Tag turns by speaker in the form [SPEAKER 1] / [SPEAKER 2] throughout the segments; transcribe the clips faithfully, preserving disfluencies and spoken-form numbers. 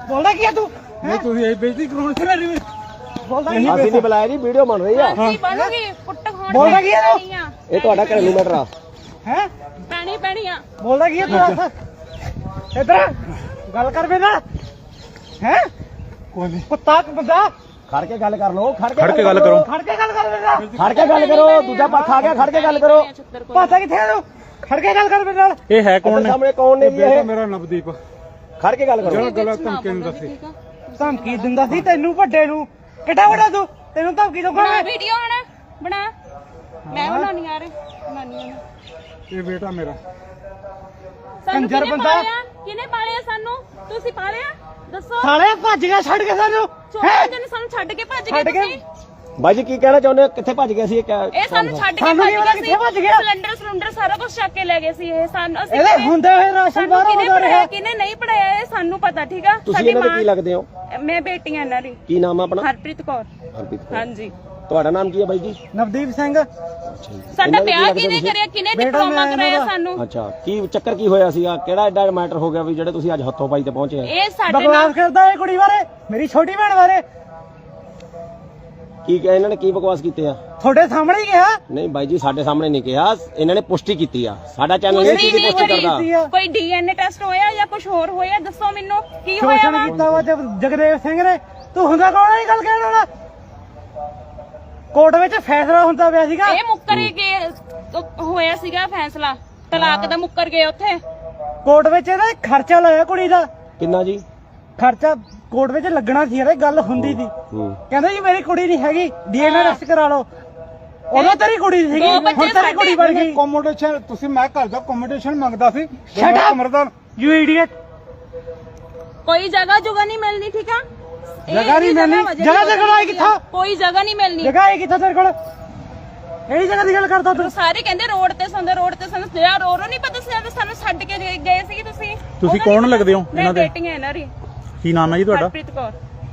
[SPEAKER 1] ਬੋਲਦਾ ਕੀ ਆ ਤੂੰ
[SPEAKER 2] ਨਹੀਂ ਤੁਸੀਂ ਇਹ ਬੇਇੱਜ਼ਤੀ ਕਰਾਉਣ ਚਲਾ ਰਹੇ
[SPEAKER 1] ਬੋਲਦਾ ਕੀ
[SPEAKER 3] ਅਸੀਂ ਨਹੀਂ ਬੁਲਾਇਆ ਜੀ, ਵੀਡੀਓ ਬਣ ਰਹੀ ਆ।
[SPEAKER 4] ਕੀ ਬਣੂਗੀ ਪੁੱਟ ਖਾਣ
[SPEAKER 1] ਬੋਲਦਾ ਕੀ ਆ ਤੂੰ
[SPEAKER 3] ਇਹ ਤੁਹਾਡਾ ਘਰੇਲੂ ਮੈਟਰ ਆ।
[SPEAKER 1] ਹੈ
[SPEAKER 4] ਪੈਣੀ ਪੈਣੀ ਆ
[SPEAKER 1] ਬੋਲਦਾ ਕੀ ਆ ਤੂੰ ਦੱਸ ਇਧਰ ਗੱਲ ਕਰ ਬੇ ਨਾਲ ਹੈ
[SPEAKER 2] ਕੋਈ ਨਹੀਂ
[SPEAKER 1] ਕੁੱਤਾ ਬੰਦਾ
[SPEAKER 3] ਖੜ ਕੇ ਗੱਲ ਕਰ ਲਓ, ਖੜ
[SPEAKER 5] ਖੜ ਕੇ ਗੱਲ ਕਰੋ।
[SPEAKER 1] ਖੜ ਕੇ ਗੱਲ ਕਰ ਬੇ ਨਾਲ
[SPEAKER 3] ਖੜ ਕੇ ਗੱਲ ਕਰੋ, ਦੂਜਾ ਪੱਖ ਆ ਗਿਆ, ਖੜ ਕੇ ਗੱਲ ਕਰੋ।
[SPEAKER 1] ਪਾਸਾ ਕਿੱਥੇ ਆ ਤੂੰ ਖੜ ਕੇ ਗੱਲ ਕਰ ਬੇ ਨਾਲ
[SPEAKER 5] ਇਹ ਹੈ ਕੌਣ ਨੇ?
[SPEAKER 3] ਸਾਹਮਣੇ ਕੌਣ ਨੇ ਜੀ
[SPEAKER 2] ਬੇਟਾ
[SPEAKER 3] ਇਹ?
[SPEAKER 2] ਮੇਰਾ ਨਵਦੀਪ।
[SPEAKER 3] ਖੜ ਕੇ ਗੱਲ ਕਰੋ।
[SPEAKER 2] ਜਿਹੜਾ ਗਲਤ ਧਮਕੀ ਨੂੰ ਦੱਸੇ
[SPEAKER 1] ਧਮਕੀ ਦਿੰਦਾ ਸੀ ਤੈਨੂੰ ਵੱਡੇ ਨੂੰ ਕਿੱਡਾ ਵੱਡਾ ਤੂੰ ਤੈਨੂੰ ਧਮਕੀ ਦਊਗਾ
[SPEAKER 4] ਬਣਾ
[SPEAKER 1] ਮੈਂ
[SPEAKER 4] ਵੀਡੀਓ ਹਣਾ ਬਣਾ ਮੈਂ ਬਣਾਉਣੀ ਯਾਰ ਬਣਾਉਣੀ ਆ
[SPEAKER 2] ਇਹ ਬੇਟਾ ਮੇਰਾ।
[SPEAKER 4] ਸਾਨੂੰ
[SPEAKER 1] ਕੰਜਰ
[SPEAKER 4] ਕਿਹਨੇ
[SPEAKER 1] ਬੰਦਾ।
[SPEAKER 4] ਪਾਲਿਆ ਕਿਹਨੇ ਪਾਲਿਆ ਸਾਨੂੰ ਤੁਸੀਂ ਪਾਲਿਆ ਦੱਸੋ
[SPEAKER 1] ਸਾਲੇ ਭੱਜ ਗਿਆ ਛੱਡ ਕੇ ਸਾਨੂੰ
[SPEAKER 4] ਛੋਟੇ ਜਿਹੇ ਨੇ ਸਾਨੂੰ ਛੱਡ ਕੇ ਭੱਜ
[SPEAKER 1] ਛੱਡ
[SPEAKER 4] ਗਏ
[SPEAKER 1] ਕੇ
[SPEAKER 4] ਤੁਸੀਂ
[SPEAKER 3] ਬਾਈ ਜੀ ਕੀ ਕਹਿਣਾ ਚਾਹੁੰਦੇ ਹੋ? ਕਿੱਥੇ ਭੱਜ ਗਏ ਸੀ ਇਹ? ਕਿਆ-
[SPEAKER 4] ਇਹ ਸਾਨੂੰ ਛੱਡ ਕੇ
[SPEAKER 1] ਸਾਨੂੰ
[SPEAKER 4] ਭੱਜ
[SPEAKER 1] ਕੀ ਪਤਾ
[SPEAKER 4] ਗਏ
[SPEAKER 1] ਕਿੱਥੇ ਭੱਜ ਗਿਆ?
[SPEAKER 4] ਸਿਲੰਡਰ ਸਿਲੰਡਰ ਸਾਰਾ ਕੁਝ ਚੱਕ ਕੇ ਲੈ ਗਏ ਸੀ ਇਹ ਸਾਨੂੰ ਅਸੀਂ
[SPEAKER 1] ਇਹਦੇ ਹੁੰਦੇ ਹੋਏ ਰਾਸ਼ਨ
[SPEAKER 4] ਸਾਨੂੰ
[SPEAKER 1] ਬਾਹਰ
[SPEAKER 4] ਕਿਹਨੇ
[SPEAKER 1] ਆਉਂਦਾ ਰਿਹਾ
[SPEAKER 4] ਪੜਾਇਆ ਕਿਹਨੇ ਨਹੀਂ ਪੜਾਇਆ ਇਹ ਸਾਨੂੰ ਪਤਾ ਠੀਕ ਆ
[SPEAKER 3] ਤੁਸੀਂ ਇਹਨਾਂ ਦੇ ਕੀ ਲੱਗਦੇ ਹੋ?
[SPEAKER 4] ਮੈਂ ਬੇਟੀ ਆ ਇਹਨਾਂ ਦੀ
[SPEAKER 3] ਕੀ ਨਾਮ ਆ ਆਪਣਾ?
[SPEAKER 4] ਹਰਪ੍ਰੀਤ ਕੌਰ
[SPEAKER 3] ਹਰਪ੍ਰੀਤ ਕੌਰ।
[SPEAKER 4] ਹਾਂਜੀ
[SPEAKER 3] ਤੁਹਾਡਾ ਨਾਮ ਕੀ ਹੈ ਬਾਈ ਜੀ?
[SPEAKER 1] ਨਵਦੀਪ ਸਿੰਘ
[SPEAKER 4] ਸਾਡਾ
[SPEAKER 3] ਇਹਨਾਂ ਦੇ
[SPEAKER 4] ਵਿਆਹ
[SPEAKER 3] ਕੀ
[SPEAKER 4] ਕਿਹਨੇ
[SPEAKER 3] ਲੱਗਦੇ
[SPEAKER 4] ਕਰਿਆ ਕਿਹਨੇ
[SPEAKER 1] ਬੇਟਾ
[SPEAKER 4] ਡਿਪਲੋਮਾ
[SPEAKER 1] ਮੈਂ
[SPEAKER 4] ਕਰਾਇਆ
[SPEAKER 1] ਇਹਨਾਂ ਦਾ।
[SPEAKER 4] ਸਾਨੂੰ
[SPEAKER 3] ਅੱਛਾ, ਕੀ ਚੱਕਰ ਕੀ ਹੋਇਆ ਸੀਗਾ? ਕਿਹੜਾ ਐਡਾ ਮੈਟਰ ਹੋ ਗਿਆ ਵੀ ਜਿਹੜੇ ਤੁਸੀਂ ਅੱਜ ਹੱਥੋਂ ਪਾਈ ਤੇ ਪਹੁੰਚੇ ਆ?
[SPEAKER 4] ਇਹ ਸਾਡੇ
[SPEAKER 1] ਬਕਵਾਸ
[SPEAKER 4] ਨਾਲ
[SPEAKER 1] ਕਰਦਾ ਇਹ ਕੁੜੀ ਬਾਰੇ ਮੇਰੀ ਛੋਟੀ ਭੈਣ ਬਾਰੇ
[SPEAKER 3] ਕੀ ਕਿਹਾ ਇਹਨਾਂ ਨੇ? ਕੀ ਬਕਵਾਸ ਕੀਤੇ ਆ?
[SPEAKER 1] ਤੁਹਾਡੇ ਸਾਹਮਣੇ ਹੀ ਕਿਹਾ
[SPEAKER 3] ਨਹੀਂ ਬਾਈ ਜੀ, ਸਾਡੇ ਸਾਹਮਣੇ ਨਹੀਂ ਕਿਹਾ, ਇਹਨਾਂ ਨੇ ਪੁਸ਼ਟੀ ਕੀਤੀ ਆ। ਸਾਡਾ ਚੈਨਲ ਨਹੀਂ
[SPEAKER 4] ਪੁਸ਼ਟੀ
[SPEAKER 3] ਕੀ
[SPEAKER 4] ਨਹੀਂ
[SPEAKER 3] ਪੁਸ਼ਟੀ
[SPEAKER 4] ਹੋਈ।
[SPEAKER 3] ਕਰਦਾ।
[SPEAKER 1] ਕੀਤੀ ਆ
[SPEAKER 4] ਕੋਈ ਡੀਐਨਏ ਟੈਸਟ ਹੋਇਆ ਜਾਂ ਕੁਝ ਹੋਰ ਹੋਇਆ ਦੱਸੋ ਮੈਨੂੰ ਕੀ ਹੋਇਆ
[SPEAKER 1] ਸ਼ੋਸ਼ਣ
[SPEAKER 4] ਵਾ
[SPEAKER 1] ਕੀਤਾ ਵਾ ਜਗ- ਜਗਦੇਵ ਸਿੰਘ ਨੇ ਤੂੰ ਹੁੰਦਾ ਕੌਣ ਹੈ ਇਹ ਗੱਲ ਕਹਿਣ ਵਾਲਾ ਕੋਰਟ ਵਿੱਚ ਫੈਸਲਾ ਹੁੰਦਾ ਪਿਆ ਸੀਗਾ
[SPEAKER 4] ਇਹ ਮੁੱਕਰ ਗਏ ਹੋਇਆ ਸੀਗਾ ਫੈਸਲਾ ਤਲਾਕ ਦਾ ਮੁੱਕਰ ਗਏ ਉੱਥੇ
[SPEAKER 1] ਕੋਰਟ ਵਿੱਚ ਇਹਦਾ ਖਰਚਾ ਲਾਇਆ ਕੁੜੀ ਦਾ
[SPEAKER 3] ਕਿੰਨਾ ਜੀ?
[SPEAKER 1] ਖਰਚਾ ਕੋਰਟ ਵਿੱਚ ਲੱਗਣਾ ਸੀ ਇਹਦਾ ਗੱਲ ਹੁੰਦੀ ਸੀ
[SPEAKER 3] ਹੂੰ।
[SPEAKER 1] ਕਹਿੰਦਾ ਜੀ ਮੇਰੀ ਕੁੜੀ ਨਹੀਂ ਹੈਗੀ ਡੀਐਨਏ ਟੈਸਟ ਕਰਾ ਲਓ ਉਦੋਂ ਤੇਰੀ ਕੁੜੀ ਸੀਗੀ
[SPEAKER 4] ਦੋ ਬੱਚੇ
[SPEAKER 1] ਹੁਣ ਤੇਰੀ ਕੁੜੀ ਬਣ ਗਈ
[SPEAKER 2] ਕੋਮੋਡੇਸ਼ਨ ਤੁਸੀਂ ਮੈਂ ਘਰ ਦਾ ਕੋਮੋਡੇਸ਼ਨ ਮੰਗਦਾ ਸੀ।
[SPEAKER 1] Shut up!
[SPEAKER 2] ਕਮਰਦਾਰ
[SPEAKER 1] ਯੂ ਇਡੀਅਟ
[SPEAKER 4] ਕੋਈ ਜਗ੍ਹਾ ਜੁਗਾ ਨਹੀਂ ਮਿਲਣੀ ਠੀਕ ਆ ਇਹ
[SPEAKER 1] ਜਗ੍ਹਾ ਨਹੀਂ
[SPEAKER 4] ਜਿਹੜੀ
[SPEAKER 1] ਮਿਲਣੀ।
[SPEAKER 4] ਵਾ, ਜਿਹੜੀ
[SPEAKER 1] ਜਗ੍ਹਾ ਤੇ ਕੋਲ ਆਈ ਕਿੱਥੋਂ?
[SPEAKER 4] ਕੋਈ ਜਗ੍ਹਾ ਨਹੀਂ ਮਿਲਣੀ
[SPEAKER 1] ਜਗ੍ਹਾ ਹੈ ਕਿੱਥੇ ਤੇਰੇ ਕੋਲ ਇਹਦੀ ਜਗ੍ਹਾ ਦੀ ਗੱਲ ਕਰਦਾ ਤੂੰ
[SPEAKER 4] ਸਾਰੇ ਕਹਿੰਦੇ ਰੋਡ ਤੇ ਸੰਦੇ ਰੋਡ ਤੇ ਸੰਦੇ ਜਿਹੜਾ ਰੋ ਰੋ ਨਹੀਂ ਪਤਾ ਸੀ ਜਦੋਂ ਸਾਨੂੰ ਛੱਡ ਕੇ ਗਏ- ਗਏ ਸੀ ਤੁਸੀਂ
[SPEAKER 5] ਤੁਸੀਂ
[SPEAKER 4] ਉਹਦਾ
[SPEAKER 5] ਕੌਣ
[SPEAKER 4] ਨੀ
[SPEAKER 5] ਲੱਗਦੇ ਹੋ
[SPEAKER 4] ਪਤਾ।
[SPEAKER 5] ਇਹਨਾਂ ਦੇ?
[SPEAKER 4] ਮੈਂ ਬੇਟੀ ਹਾਂ ਇਹਨਾਂ ਦੀ
[SPEAKER 5] ਕੀ ਨਾਮ ਹੈ ਜੀ ਤੁਹਾਡਾ?
[SPEAKER 4] ਹਰਪ੍ਰੀਤ ਕੌਰ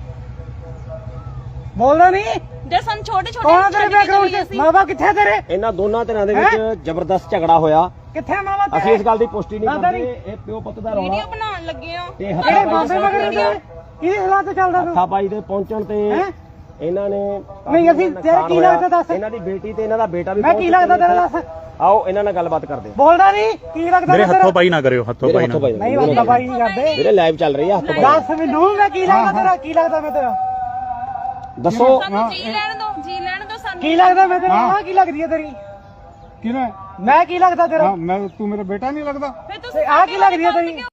[SPEAKER 1] ਬੋਲਦਾ ਨਹੀਂ
[SPEAKER 4] ਜੇ ਸਾਨੂੰ ਛੋਟੇ ਛੋਟੇ
[SPEAKER 1] ਕੌਣ ਆ ਤੇਰੇ ਬੈਕਗ੍ਰਾਉਂਡ 'ਚ ਮਾਂ ਬਾਪ ਕਿੱਥੇ ਆ ਤੇਰੇ
[SPEAKER 3] ਇਹਨਾਂ ਦੋਨਾਂ ਧਿਰਾਂ ਦੇ ਵਿੱਚ ਜ਼ਬਰਦਸਤ ਝਗੜਾ ਹੋਇਆ।
[SPEAKER 1] ਕਿੱਥੇ ਮਾਂ ਬਾਪ
[SPEAKER 3] ਅਸੀਂ ਇਸ ਗੱਲ ਦੀ ਪੁਸ਼ਟੀ ਨਹੀਂ
[SPEAKER 1] ਦਾਦਾ
[SPEAKER 3] ਕਰਦੇ। ਇਹ ਪਿਓ ਪੁੱਤ ਦਾ ਰੌਲਾ
[SPEAKER 4] ਵੀਡੀਓ ਬਣਾਉਣ ਲੱਗੇ ਆ
[SPEAKER 3] ਤੇ
[SPEAKER 1] ਕਿਹੜੇ
[SPEAKER 3] ਹੱਥਾਂ
[SPEAKER 1] ਬਾਬੇ ਮਗਰ ਕਿਹਦੀ ਸਲਾਹ ਤੇ ਚੱਲਦਾ ਤੂੰ
[SPEAKER 3] ਪਾਈ ਦੇ ਪਹੁੰਚਣ ਤੇ
[SPEAKER 1] ਹੈਂ?
[SPEAKER 3] ਇਹਨਾਂ ਨੇ
[SPEAKER 1] ਨਹੀਂ, ਅਸੀਂ ਤੇਰਾ ਕੀ ਲੱਗਦਾ ਦੱਸ?
[SPEAKER 3] ਇਹਨਾਂ ਦੀ ਬੇਟੀ ਤੇ ਇਹਨਾਂ ਦਾ ਬੇਟਾ ਵੀ
[SPEAKER 1] ਮੈਂ
[SPEAKER 3] ਪਹੁੰਚ
[SPEAKER 1] ਕੀ ਲੱਗਦਾ
[SPEAKER 3] ਚੁੱਕੇ ਨੇ।
[SPEAKER 1] ਤੇਰਾ ਦੱਸ
[SPEAKER 3] ਆਓ ਇਹਨਾਂ ਨਾਲ ਗੱਲਬਾਤ ਕਰਦੇ ਹਾਂ।
[SPEAKER 1] ਬੋਲਦਾ ਨਹੀਂ ਕੀ ਲੱਗਦਾ
[SPEAKER 5] ਮੇਰੇ
[SPEAKER 1] ਤੇਰਾ?
[SPEAKER 5] ਹੱਥੋਂ ਪਾਈ ਨਾ ਕਰਿਓ, ਹੱਥੋਂ
[SPEAKER 3] ਮੇਰੇ
[SPEAKER 5] ਪਾਈ
[SPEAKER 3] ਹੱਥੋਂ
[SPEAKER 5] ਨਾ।
[SPEAKER 3] ਪਾਈ
[SPEAKER 1] ਨਹੀਂ ਬੰਦਾ ਬਾਈ ਨਹੀਂ ਕਰਦੇ
[SPEAKER 3] ਮੇਰੇ ਲਾਈਵ ਚੱਲ ਰਹੀ ਆ, ਹੱਥੋਂ ਪਾਈ
[SPEAKER 1] ਦੱਸ ਮੈਨੂੰ ਮੈਂ ਕੀ ਲੱਗਦਾ ਤੇਰਾ ਕੀ ਲੱਗਦਾ ਮੈਂ ਤੇਰਾ
[SPEAKER 3] ਦੱਸੋ।
[SPEAKER 4] ਸਾਨੂੰ ਜੀ ਲੈਣ ਦੋ ਜੀ ਲੈਣ ਦੋ ਸਾਨੂੰ
[SPEAKER 1] ਕੀ ਲੱਗਦਾ ਮੈਂ ਤੇਰਾ ਆਹ ਕੀ ਲੱਗਦੀ ਹੈ ਤੇਰੀ
[SPEAKER 2] ਕਿਹਨੇ?
[SPEAKER 1] ਮੈਂ ਕੀ ਲੱਗਦਾ ਤੇਰਾ
[SPEAKER 2] ਹਾਂ ਮੈਂ ਤੂੰ ਮੇਰਾ ਬੇਟਾ ਨਹੀਂ ਲੱਗਦਾ?
[SPEAKER 4] ਫਿਰ ਤੁਸੀਂ
[SPEAKER 1] ਆਹ ਕੀ ਲੱਗਦੀ ਹੈ ਤੇਰੀ